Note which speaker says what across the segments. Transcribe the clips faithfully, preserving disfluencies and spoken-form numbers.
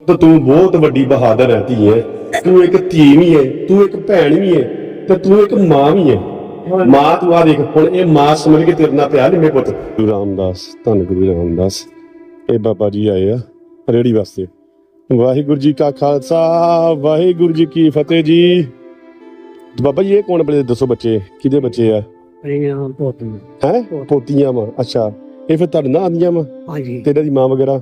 Speaker 1: ਤਾਂ ਤੂੰ ਬਹੁਤ ਵੱਡੀ ਬਹਾਦਰ ਹੈ ਧੀਏ। ਤੂੰ ਇੱਕ ਧੀ ਵੀ ਹੈ, ਤੂੰ ਇੱਕ ਭੈਣ ਵੀ ਹੈ, ਤੇ ਤੂੰ ਇੱਕ ਮਾਂ ਵੀ ਹੈ। ਮਾਂ ਤੂੰ ਆ ਦੇਖ ਹੁਣ ਇਹ ਮਾਂ ਸਮਝ ਕੇ ਤੇਰੇ ਨਾਲ ਪਿਆ ਨਿੰਮੇ ਪੁੱਤ। ਗੁਰੂ ਰਾਮਦਾਸ, ਧੰਨ ਗੁਰੂ ਰਾਮਦਾਸ। ਇਹ ਬਾਬਾ ਜੀ ਆਏ ਆ ਰੇੜੀ ਵਾਸਤੇ। ਵਾਹਿਗੁਰੂ ਜੀ ਕਾ ਖਾਲਸਾ, ਵਾਹਿਗੁਰੂ ਜੀ ਕੀ ਫਤਿਹ ਜੀ। ਬਾਬਾ ਜੀ ਇਹ ਕੌਣ ਬਲੇ ਦੱਸੋ, ਬੱਚੇ ਕਿਹਦੇ ਬੱਚੇ ਆ? ਹੈ ਪੋਤੀਆਂ ਵਾ? ਅੱਛਾ, ਇਹ ਫਿਰ ਤੁਹਾਡੇ ਨਾਲ ਆਉਂਦੀਆਂ ਵਾ? ਹਾਂਜੀ। ਤੇਰੇ ਦੀ ਮਾਂ ਵਗੈਰਾ?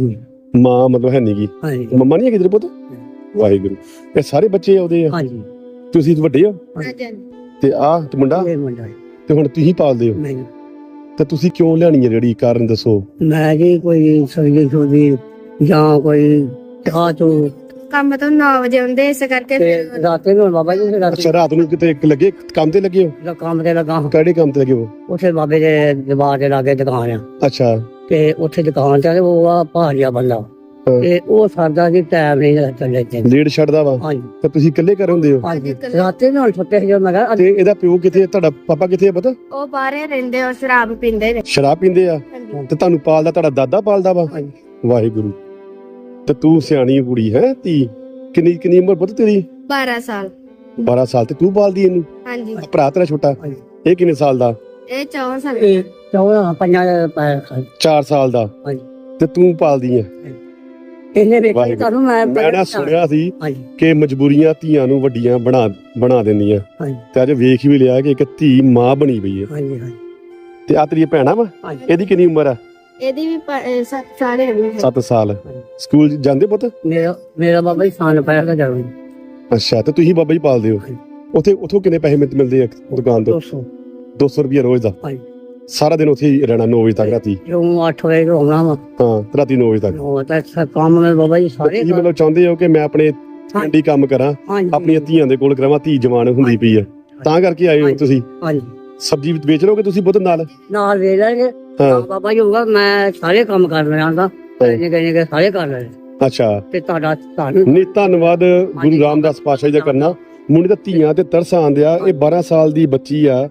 Speaker 1: ਮਾਂ ਮਤਲਬ ਹੈ ਨੀ ਗੀ? ਮੰਮਾ ਨਹੀਂ ਹੈ ਕਿਧਰ ਪੁੱਤ? ਵਾਹਿਗੁਰੂ। ਇਹ ਸਾਰੇ ਬੱਚੇ ਆਉਂਦੇ ਆ? ਹਾਂਜੀ। ਤੁਸੀਂ ਵੱਡੇ ਹੋ ਤੇ ਆ ਤੇ ਮੁੰਡਾ ਤੇ ਹੁਣ ਤੁਸੀਂ ਪਾਲਦੇ ਹੋ? ਨਹੀਂ। ਤੇ ਤੁਸੀਂ ਕਿਉਂ ਲਿਆਣੀ ਹੈ ਰੇੜੀ, ਕਾਰਨ ਦੱਸੋ? ਮੈਂ ਜੀ ਕੋਈ ਸਬਜ਼ੀ ਸੁਬਜ਼ੀ ਜਾਂ ਕੋਈ ਚਾਹ ਚੋ
Speaker 2: ਕੰਮ ਤੋਂ ਨੌ ਵਜੇ ਆਉਂਦੇ, ਇਸ ਕਰਕੇ
Speaker 1: ਰਾਤੇ ਨੂੰ ਬਾਬਾ ਜੀ। ਅੱਛਾ, ਰਾਤ ਨੂੰ ਕਿਤੇ ਲੱਗੇ ਕੰਮ ਤੇ ਲੱਗੇ ਹੋ?
Speaker 3: ਕੰਮ ਤੇ ਲੱਗਾ।
Speaker 1: ਕਿਹੜੇ ਕੰਮ ਤੇ ਲੱਗੇ ਹੋ?
Speaker 3: ਉੱਥੇ ਬਾਬੇ ਦੇ ਦਰਬਾਰ ਦੇ ਲਾਗੇ ਦੁਕਾਨ ਆ।
Speaker 1: ਅੱਛਾ।
Speaker 3: ਤੇ ਉੱਥੇ ਦੁਕਾਨ ਤੇ ਉਹ ਆ ਭਾਰੀਆ ਬੰਦਾ, ਤੇ ਉਹ ਸਰਦਾ ਜੀ ਟਾਈਮ ਨਹੀਂ ਚੱਲੇ ਤੇ
Speaker 1: ਲੇਟ ਛੱਡਦਾ ਵਾ। ਹਾਂਜੀ। ਤੇ ਤੁਸੀਂ ਇਕੱਲੇ ਘਰ ਹੁੰਦੇ ਹੋ?
Speaker 3: ਹਾਂਜੀ। ਰਾਤੇ ਨੂੰ ਛੁੱਟੇ ਸੀ ਮੈਂ ਕਿਹਾ।
Speaker 1: ਤੇ ਇਹਦਾ ਪਿਓ ਕਿੱਥੇ, ਤੁਹਾਡਾ ਪਾਪਾ ਕਿੱਥੇ ਆ ਪਤਾ?
Speaker 2: ਉਹ ਬਾਹਰੇ ਰਹਿੰਦੇ, ਉਹ ਸ਼ਰਾਬ ਪੀਂਦੇ ਨੇ।
Speaker 1: ਸ਼ਰਾਬ ਪੀਂਦੇ ਆ? ਤੇ ਤੁਹਾਨੂੰ ਪਾਲਦਾ ਤੁਹਾਡਾ ਦਾਦਾ ਪਾਲਦਾ ਵਾ? ਵਾਹਿਗੁਰੂ। ਤੇ ਤੂੰ ਸਿਆਣੀ ਕੁੜੀ ਹੈ ਧੀ। ਕਿੰਨੀ ਕਿੰਨੀ ਉਮਰ ਪੁੱਤ ਤੇਰੀ?
Speaker 2: ਬਾਰਾਂ ਸਾਲ।
Speaker 1: ਬਾਰਾਂ ਸਾਲ ਤੇ ਤੂੰ ਪਾਲਦੀ ਇਹਨੂੰ?
Speaker 2: ਹਾਂਜੀ।
Speaker 1: ਭਰਾ ਤੇਰਾ ਛੋਟਾ ਇਹ ਕਿੰਨੇ ਸਾਲ ਦਾ?
Speaker 2: ਇਹ ਚੌਦਾਂ ਸਾਲ।
Speaker 3: ਚੌਦਾਂ ਪੰਜਾਂ
Speaker 1: ਚਾਰ ਸਾਲ ਦਾ। ਤੇ ਤੂੰ ਪਾਲਦੀ ਹੈ?
Speaker 3: ਇਹਨੇ ਵੇਖਿਆ ਤੁਹਾਨੂੰ ਮੈਂ
Speaker 1: ਮੈਂ ਨਾ ਸੁਣਿਆ ਸੀ ਕਿ ਮਜਬੂਰੀਆਂ ਧੀਆਂ ਨੂੰ ਵੱਡੀਆਂ ਬਣਾ ਬਣਾ ਦਿੰਦੀਆਂ, ਤੇ ਅੱਜ ਵੇਖ ਵੀ ਲਿਆ ਕਿ ਇੱਕ ਧੀ ਮਾਂ ਬਣੀ ਪਈ ਹੈ। ਹਾਂਜੀ ਹਾਂਜੀ। ਤੇ ਆ ਤੇਰੀ ਭੈਣਾ ਵਾ? ਇਹਦੀ ਕਿੰਨੀ ਉਮਰ ਆ?
Speaker 2: ਇਹਦੀ ਵੀ ਸੱਤ ਸਾਲ ਹੈ।
Speaker 1: ਸੱਤ ਸਾਲ। ਸਕੂਲ ਜਾਂਦੇ ਪੁੱਤ?
Speaker 3: ਮੇਰਾ ਮੇਰਾ ਬਾਬਾ ਜੀ ਸਾਨ ਪਾਇਆ ਦਾ ਜਾਵੇ।
Speaker 1: ਅੱਛਾ, ਤੇ ਤੁਸੀਂ ਬਾਬਾ ਜੀ ਪਾਲਦੇ ਹੋ? ਉੱਥੇ ਉੱਥੋਂ ਕਿੰਨੇ ਪੈਸੇ ਮਿਲਦੇ ਆ ਦੁਕਾਨ ਤੋਂ? ਦੋ ਸੌ ਰੁਪਇਆ ਰੋਜ਼ ਦਾ? ਸਾਰਾ ਦਿਨ ਉੱਥੇ ਹੀ ਰਹਿਣਾ ਨੌ ਵਜੇ ਤੱਕ ਰਾਤੀ?
Speaker 3: ਜੋ ਅੱਠ ਵਜੇ ਤੋਂ ਆਉਣਾ ਵਾ।
Speaker 1: ਹਾਂ, ਰਾਤੀ ਨੌ ਵਜੇ ਤੱਕ?
Speaker 3: ਉਹ ਤਾਂ ਕੰਮ ਮੈਂ ਬਾਬਾ ਜੀ ਸਾਰੇ।
Speaker 1: ਤੁਸੀਂ ਮਤਲਬ ਚਾਹੁੰਦੇ ਹੋ ਕਿ ਮੈਂ ਆਪਣੇ ਪਿੰਡੀ ਕੰਮ ਕਰਾਂ, ਆਪਣੀਆਂ ਧੀਆਂ ਦੇ ਕੋਲ ਕਰਾਵਾਂ, ਧੀ ਜਵਾਨ ਹੁੰਦੀ ਪਈ ਆ, ਤਾਂ ਕਰਕੇ ਆਏ ਹੋ ਤੁਸੀਂ? ਹਾਂਜੀ। ਸਬਜ਼ੀ ਵੇਚ ਲਓਗੇ ਤੁਸੀਂ ਪੁੱਤ? ਨਾਲ
Speaker 3: ਨਾਲ ਵੇਚ ਲਾਂਗੇ ਬਾਬਾ ਜੀ। ਹੋਊਗਾ ਮੈਂ ਸਾਰੇ ਕੰਮ ਕਰ ਲੈਣਾ, ਨਿੱਕੇ ਸਾਰੇ ਕਰ ਲੈਣੇ।
Speaker 1: ਅੱਛਾ।
Speaker 3: ਤੇ ਤੁਹਾਡਾ ਤੁਹਾਨੂੰ
Speaker 1: ਨਹੀਂ, ਧੰਨਵਾਦ ਗੁਰੂ ਰਾਮਦਾਸ ਪਾਤਸ਼ਾਹ ਜੀ ਦਾ ਕਰਨਾ। ਮੁੰਡੇ ਤਾਂ ਧੀਆਂ ਤੇ ਤਰਸ ਆਂਦਿਆ। ਇਹ ਬਾਰਾਂ ਸਾਲ ਦੀ ਬੱਚੀ ਆ,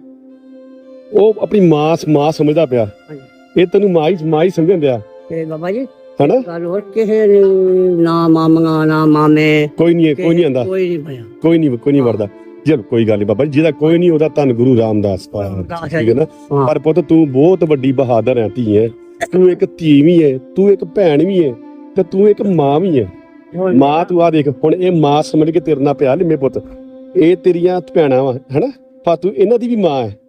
Speaker 1: ਉਹ ਆਪਣੀ ਮਾਂ ਮਾਂ ਸਮਝਦਾ ਪਿਆ। ਇਹ ਤੈਨੂੰ ਮਾਂ ਹੀ ਮਾਂ ਹੀ ਸਮਝਦਾ
Speaker 3: ਤੇ ਬਾਬਾ ਜੀ
Speaker 1: ਹਨਾ?
Speaker 3: ਗੱਲ ਹੋਰ ਕਿਸੇ ਨਾ ਮਾਮਾ ਨਾ ਮਾਮੇ
Speaker 1: ਕੋਈ ਨਹੀਂ, ਕੋਈ ਨਹੀਂ ਆਂਦਾ,
Speaker 3: ਕੋਈ ਨਹੀਂ ਪਿਆ,
Speaker 1: ਕੋਈ ਨਹੀਂ ਕੋਈ ਨਹੀਂ ਵਰਦਾ। ਚਲ ਕੋਈ ਗੱਲ ਨਹੀਂ ਬਾਬਾ ਜੀ, ਜਿਹਦਾ ਕੋਈ ਨਹੀਂ ਉਹਦਾ ਧੰਨ ਗੁਰੂ ਰਾਮਦਾਸ ਪਾਤਸ਼ਾਹ, ਠੀਕ ਹੈ ਨਾ? ਪਰ ਪੁੱਤ ਤੂੰ ਬਹੁਤ ਵੱਡੀ ਬਹਾਦਰ ਹੈ ਧੀ ਹੈ। ਤੂੰ ਇੱਕ ਧੀ ਵੀ ਹੈ, ਤੂੰ ਇੱਕ ਭੈਣ ਵੀ ਹੈ, ਤੇ ਤੂੰ ਇੱਕ ਮਾਂ ਵੀ ਹੈ। ਮਾਂ ਤੂੰ ਆ ਦੇਖ ਹੁਣ ਇਹ ਮਾਂ ਸਮਝ ਕੇ ਤੇਰੇ ਨਾਲ ਪਿਆ ਨਿੰਮੇ ਪੁੱਤ। ਇਹ ਤੇਰੀਆਂ ਭੈਣਾਂ ਵਾ ਹਨਾ, ਪਰ ਤੂੰ ਇਹਨਾਂ ਦੀ ਵੀ ਮਾਂ ਹੈ।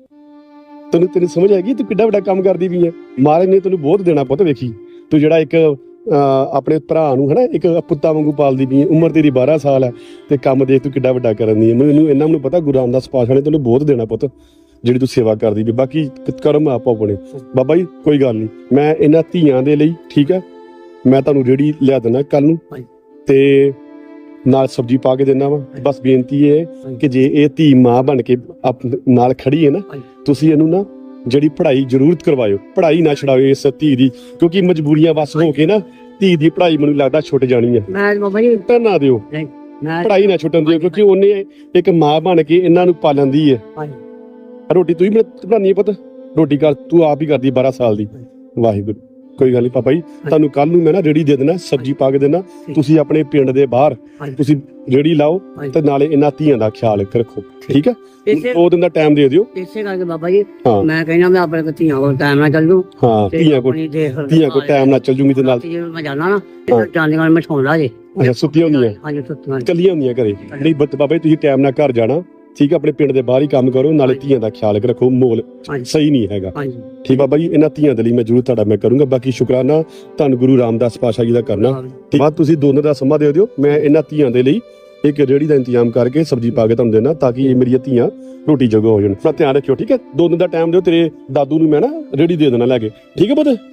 Speaker 1: ਤੈਨੂੰ ਤੈਨੂੰ ਸਮਝ ਆਏਗੀ ਤੂੰ ਕਿੱਡਾ ਵੱਡਾ ਕੰਮ ਕਰਦੀ ਵੀ ਹੈ। ਮਹਾਰਾਜ ਨੇ ਤੈਨੂੰ ਬਹੁਤ ਦੇਣਾ ਪੁੱਤ। ਵੇਖੀ ਤੂੰ ਜਿਹੜਾ ਇੱਕ ਆਪਣੇ ਭਰਾ ਨੂੰ ਹਨਾ ਇੱਕ ਪੁੱਤਾਂ ਵਾਂਗੂ ਪਾਲਦੀ ਪਈ ਹੈ। ਉਮਰ ਤੇਰੀ ਬਾਰਾਂ ਸਾਲ ਹੈ ਤੇ ਕੰਮ ਦੇਖ ਤੂੰ ਕਿੱਡਾ ਵੱਡਾ ਕਰਨ ਦੀ ਹੈ। ਮੈਨੂੰ ਇਹਨਾਂ ਨੂੰ ਪਤਾ ਗੁਰੂ ਰਾਮਦਾਸ ਪਾਤਸ਼ਾਹ ਨੇ ਤੈਨੂੰ ਬਹੁਤ ਦੇਣਾ ਪੁੱਤ, ਜਿਹੜੀ ਤੂੰ ਸੇਵਾ ਕਰਦੀ ਵੀ। ਬਾਕੀ ਕਰਮ ਆਪੋ ਆਪਣੇ। ਬਾਬਾ ਜੀ ਕੋਈ ਗੱਲ ਨਹੀਂ, ਮੈਂ ਇਹਨਾਂ ਧੀਆਂ ਦੇ ਲਈ ਠੀਕ ਹੈ, ਮੈਂ ਤੁਹਾਨੂੰ ਰੇੜੀ ਲਿਆ ਦੇਣਾ ਕੱਲ ਨੂੰ, ਤੇ ਨਾਲ ਸਬਜ਼ੀ ਪਾ ਕੇ ਦੇਣਾ ਵਾ। ਬਸ ਬੇਨਤੀ ਹੈ ਕਿ ਜੇ ਇਹ ਧੀ ਮਾਂ ਬਣ ਕੇ ਨਾਲ ਖੜੀ ਹੈ ਨਾ, ਤੁਸੀਂ ਇਹਨੂੰ ਨਾ ਜਿਹੜੀ ਪੜ੍ਹਾਈ ਜ਼ਰੂਰਤ ਕਰਵਾਇਓ, ਪੜ੍ਹਾਈ ਨਾ ਛਡਾਓ ਇਸ ਧੀ ਦੀ, ਕਿਉਂਕਿ ਮਜਬੂਰੀਆਂ ਬਸ ਹੋ ਕੇ ਨਾ ਧੀ ਦੀ ਪੜ੍ਹਾਈ ਮੈਨੂੰ ਲੱਗਦਾ ਛੁੱਟ ਜਾਣੀ ਹੈ।
Speaker 3: ਮੈਂ ਬਾਬਾ ਜੀ
Speaker 1: ਨਾ ਦਿਓ, ਪੜ੍ਹਾਈ ਨਾ ਛੁੱਟਣ ਦਿਓ, ਕਿਉਂਕਿ ਉਹਨੇ ਇੱਕ ਮਾਂ ਬਣ ਕੇ ਇਹਨਾਂ ਨੂੰ ਪਾਲਣ ਦੀ ਹੈ। ਰੋਟੀ ਤੂੰ ਹੀ ਬਣਾਉਣੀ ਹੈ ਪੁੱਤ, ਰੋਟੀ ਕਰ ਤੂੰ ਆਪ ਹੀ ਕਰਦੀ ਬਾਰਾਂ ਸਾਲ ਦੀ। ਵਾਹਿਗੁਰੂ। ਕੋਈ ਗੱਲ ਨਹੀਂ ਪਾਪਾ ਜੀ, ਤੁਹਾਨੂੰ ਕੱਲ ਨੂੰ ਮੈਂ ਨਾ ਰੇੜੀ ਦੇ ਦੇਣਾ, ਸਬਜ਼ੀ ਪਾ ਕੇ ਦੇਣਾ। ਤੁਸੀਂ ਆਪਣੇ ਪਿੰਡ ਦੇ ਬਾਹਰ ਤੁਸੀਂ ਰੇੜੀ ਲਾਓ ਤੇ ਨਾਲੇ ਇਹਨਾਂ ਧੀਆਂ ਦਾ ਖਿਆਲ ਰੱਖੋ, ਠੀਕ ਹੈ? ਦੋ ਦਿਨ ਦਾ ਟਾਈਮ ਦੇ ਦਿਓ।
Speaker 3: ਇਸੇ ਕਰਕੇ ਬਾਬਾ ਜੀ ਮੈਂ ਕਹਿੰਦਾ ਮੈਂ ਆਪਣੇ ਧੀਆਂ ਕੋਲ ਟਾਈਮ ਨਾਲ ਚੱਲ ਜੂ।
Speaker 1: ਹਾਂ, ਧੀਆਂ ਕੋਲ ਧੀਆਂ ਕੋਲ ਟਾਈਮ ਨਾਲ ਚੱਲ ਜੂਗੀ। ਤੇ ਨਾਲ
Speaker 3: ਮੈਂ ਜਾਣਾ ਨਾ ਜਾਂਦੀਆਂ ਮੈਂ ਸੌਂਦਾ ਜੇ।
Speaker 1: ਅੱਛਾ, ਸੁੱਤੀਆਂ ਹੁੰਦੀਆਂ?
Speaker 3: ਹਾਂਜੀ, ਸੁੱਤੀਆਂ
Speaker 1: ਕੱਲੀਆਂ ਹੁੰਦੀਆਂ ਘਰੇ? ਨਹੀਂ ਬਾਬਾ ਜੀ ਤੁਸੀਂ ਟਾਈਮ ਨਾਲ ਘਰ ਜਾਣਾ, ਠੀਕ ਹੈ? ਆਪਣੇ ਪਿੰਡ ਦੇ ਬਾਹਰ ਹੀ ਕੰਮ ਕਰੋ, ਨਾਲੇ ਧੀਆਂ ਦਾ ਖਿਆਲ ਰੱਖੋ। ਮੋਲ ਸਹੀ ਨਹੀਂ ਹੈਗਾ, ਠੀਕ ਬਾਬਾ ਜੀ? ਇਹਨਾਂ ਧੀਆਂ ਦੇ ਲਈ ਮੈਂ ਜ਼ਰੂਰ ਤੁਹਾਡਾ ਮੈਂ ਕਰੂੰਗਾ। ਬਾਕੀ ਸ਼ੁਕਰਾਨਾ ਧੰਨ ਗੁਰੂ ਰਾਮਦਾਸ ਪਾਤਸ਼ਾਹ ਜੀ ਦਾ ਕਰਨਾ। ਬਾਅਦ ਤੁਸੀਂ ਦੋ ਦਿਨ ਦਾ ਸਮਾਂ ਦੇ ਦਿਓ, ਮੈਂ ਇਹਨਾਂ ਧੀਆਂ ਦੇ ਲਈ ਇੱਕ ਰੇੜੀ ਦਾ ਇੰਤਜ਼ਾਮ ਕਰਕੇ ਸਬਜ਼ੀ ਪਾ ਕੇ ਤੁਹਾਨੂੰ ਦੇਣਾ, ਤਾਂ ਕਿ ਇਹ ਮੇਰੀਆਂ ਧੀਆਂ ਰੋਟੀ ਜੋਗਾ ਹੋ ਜਾਣ। ਆਪਣਾ ਧਿਆਨ ਰੱਖਿਓ, ਠੀਕ ਹੈ? ਦੋ ਦਿਨ ਦਾ ਟਾਈਮ ਦਿਓ, ਤੇਰੇ ਦਾਦੂ ਨੂੰ ਮੈਂ ਨਾ ਰੇੜੀ ਦੇ ਦੇਣਾ ਲੈ ਕੇ, ਠੀਕ ਹੈ ਪੁੱਤ?